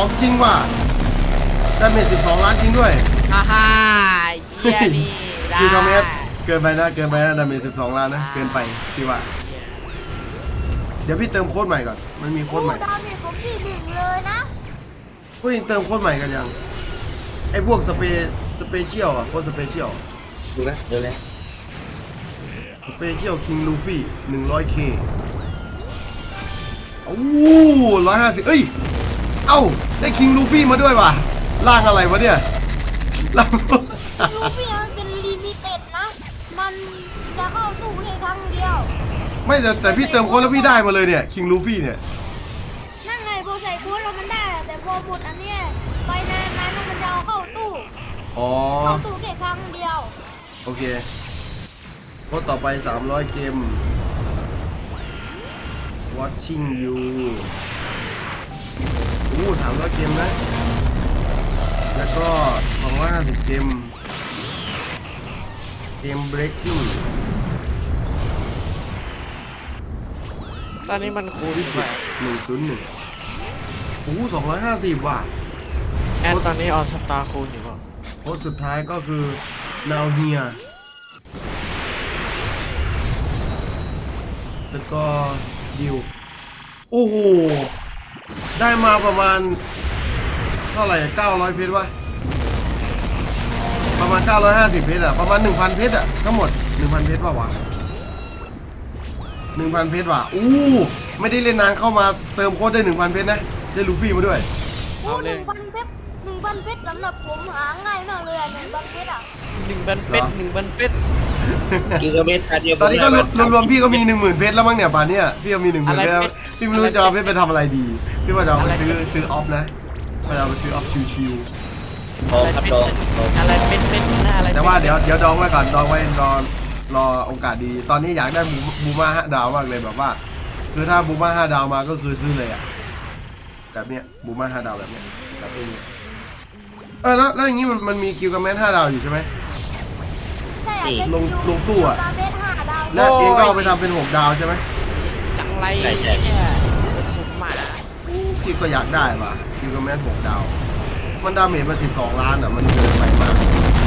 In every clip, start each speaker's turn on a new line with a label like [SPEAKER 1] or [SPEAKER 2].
[SPEAKER 1] ของจริงว่ะดาเมจ12 ล้านจริงด้วย
[SPEAKER 2] ฮ่าฮ่าเฮียนี่ได้
[SPEAKER 1] พี่ทอมเอสเกินไปนะดาเมจ12 ล้านนะเกินไปพี่ว่าเดี๋ยวพี่เติมโค้ดใหม่ก่อนมันมีโค้ดใหม่
[SPEAKER 3] ดาเมจผม41เลยนะ
[SPEAKER 1] พวกเองเติมโค้ดใหม่กันยังไอ้พวกสเปเชียลอ่ะโค้ดสเปเชียล
[SPEAKER 4] ดูนะเดี๋ยวเลย
[SPEAKER 1] สเปเชียลคิงลูฟี่ 100K โอ้150เอ้ยเอ้าได้คิงลูฟี่มาด้วยว่ะร่างอะไรวะเนี่ยร่าง
[SPEAKER 3] ลูฟี่มันเป็นลิมิเต็ดนะมันจะเข้าตู้แค่ครั้งเดียว
[SPEAKER 1] ไม่แต่พี่เติมโค้ดแล้วพี่ได้มาเลยเนี่ยคิงลูฟี่เนี่ย
[SPEAKER 3] นั่นไงพอใส่โค้ดแล้วมันได้แต่พอหมดอันเนี้ยไปนานๆมันจะเอาเข้าตู้เข้าตู้แค่ครั้งเดียว
[SPEAKER 1] โอเคโค้ดต่อไป300 เกม watching you 300 เกมนะแล้วก็250 เกม breaking
[SPEAKER 2] ตอนนี้มันคูณไป
[SPEAKER 1] 101250ว่ะ
[SPEAKER 2] แอดตอนนี้ออสตาร์คูณอยู่ป่ะ
[SPEAKER 1] โค้ดสุดท้ายก็คือ now here แล้วก็ดิวโอ้โหได้มาประมาณเท่าไหร่900 เพชรวะประมาณ950 เพชรอะประมาณ 1,000 เพชรอะทั้งหมด 1,000 เพชรป่าววะ 1,000 เพชรว่ะไม่ได้เล่นนานเข้ามาเติมโค้ดได้ 1,000 เพชรนะได้ลูฟี่มาด้วย
[SPEAKER 3] 1,000 เพชร1,000 เพชรสำหรับผมหาง่ายมากเลย1,000 เพชรอะ
[SPEAKER 2] 1,000 เพชร1,000 เพชร
[SPEAKER 4] กิโลเมตรเดียว
[SPEAKER 1] ตอนนี้ก็รวมๆพี่ก็มี 10,000 เพชรแล้วมั้งเนี่ยป่านนี้พี่ก็มี 10,000 เพชรแล้วพี่ไม่รู้จะเอาเพชรไปทำอะไรดีพี่ว่าจะเอาไปซื้อออฟนะว่าจะเอาไปซื้อออฟชิว
[SPEAKER 4] ทองครับทอง
[SPEAKER 2] อะไรเป็นนะอะไร
[SPEAKER 1] แต่ว่าเดี๋ยวดองไว้ก่อนดองไว้รอโอกาสดีตอนนี้อยากได้บูม่า5 ดาวมากเลยแบบว่าคือถ้าบูม่า5 ดาวมาก็คือซื้อเลยอะแบบเนี้ยบูม่า5 ดาวแบบเนี้ยแบบเองเนี่ยแล้วอย่างงี้มันมีกิลกัมแมน5 ดาวอยู่ใช่ไหมลงตู้อะแล้วเองก็เอาไปทำเป็น6 ดาวใช่ไหม
[SPEAKER 2] จังไรเนี่ยจะถูกหมา
[SPEAKER 1] พี่ก็อยากได้ว่ะกิลกัมแมน6 ดาวมันดาเมจมา12 ล้านอะมันเกินไปมาก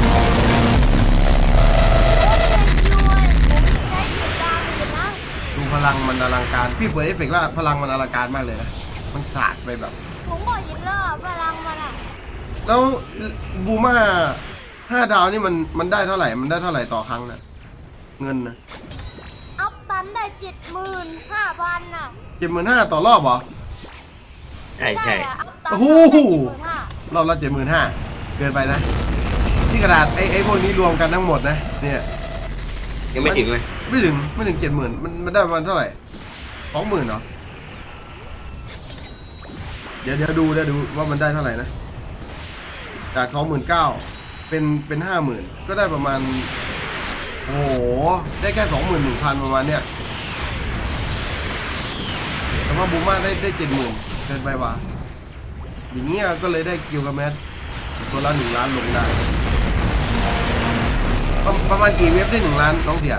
[SPEAKER 1] ดูพลังมันอลังการพี่เปิดเอฟเฟกต์แล้วพลังมันอลังการมากเลยนะมันสาดไปแบบ
[SPEAKER 3] ผมบอกยินแล้วพลังมันอะ
[SPEAKER 1] แล้วบูม่า5 ดาวนี่มันได้เท่าไหร่มันได้เท่าไหร่ต่อครั้งนะเงินนะ
[SPEAKER 3] อัพตันได้ 75,000 น่ะ
[SPEAKER 1] 75,000ต่อรอบเหรอ
[SPEAKER 4] ใช่
[SPEAKER 1] โอ้โหรอบละ 75,000เกินไปนะที่กระดาษไอ้พวกนี้รวมกันทั้งหมดนะเนี่ย
[SPEAKER 4] ยังไม่ถึงเลย
[SPEAKER 1] ไม่ถึง70,000มันได้ประมาณเท่าไหร่20,000เหรอเดี๋ยวดูว่ามันได้เท่าไหร่นะจาก 29,000เป็น 50,000ก็ได้ประมาณโอ้โหได้แค่ 21,000 ประมาณเนี้ยแต่ว่าบูม่าได้ 70,000เกินไปว่ะอย่างเงี้ยก็เลยได้กิลกัมแมนตัวละ1 ล้านลงได้ประมาณกี่เว็บได้1 ล้านน้องเสีย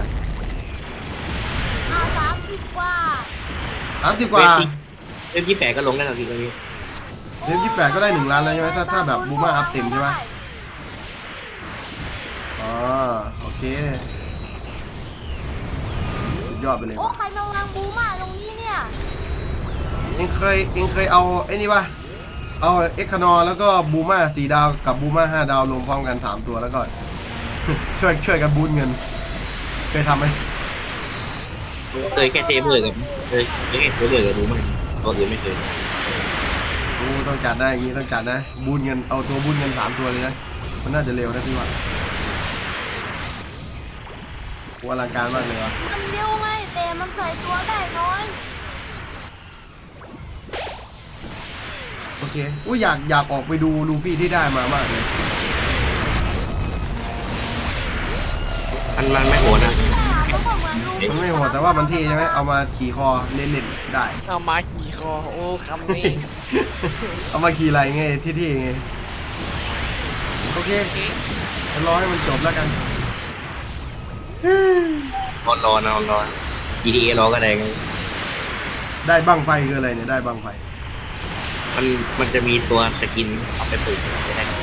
[SPEAKER 3] 30 กว่า
[SPEAKER 1] 30 กว่า
[SPEAKER 4] เว็บ28ก็ลงได้แล้วพี่ตอนนี้
[SPEAKER 1] เว็บ28ก็ได้1 ล้านแล้วใช่ไหมถ้าแบบบูม่าอัพเต็มใช่ไหมอ๋อโอเคสุดยอดไปเลย
[SPEAKER 3] โอ้ใครมาวางบูม่าตรงนี้เนี่ย
[SPEAKER 1] เองเคยเอาไอ้นี่ป่ะเอาเอ็กคานอแล้วก็บูม่า4 ดาวกับบูม่า5 ดาวลงพร้อมกัน3 ตัวแล้วก็ ช่วยกันบูนเงินเคยทำไหม
[SPEAKER 4] เคยแค่เทเบอร์กับเคยแค่เทเบอร์กับดูมั้ยตัวอื่นไม่เคย
[SPEAKER 1] ต้องจัดได้อย่างงี้ต้องจัดนะบูนเงินเอาตัวบูนเงิน3 ตัวเลยนะมันน่าจะเร็วนะพี่ว่าอลังการมากเลยวะ
[SPEAKER 3] มันเร็วไงแต่มันใส่ตัวได้น้อย
[SPEAKER 1] โอเคอยากออกไปดูลูฟี่ที่ได้มามากเลย
[SPEAKER 4] มันไม่โหดนะ
[SPEAKER 1] มันไม่โหดแต่ว่ามันเท่ใช่ไหมเอามาขี่คอเล่นๆได้
[SPEAKER 2] เอามาขี่คอโอ้คำนี้
[SPEAKER 1] เอามาขี่อะไรไงเท่ๆไงโอเครอให้มันจบแล้วกัน
[SPEAKER 4] รอ GTA รอก็ได้ไง
[SPEAKER 1] ได้บังไฟคืออะไรเนี่ยได้บังไฟ
[SPEAKER 4] มันมันจะมีตัวสกินเอาไปปลูกได้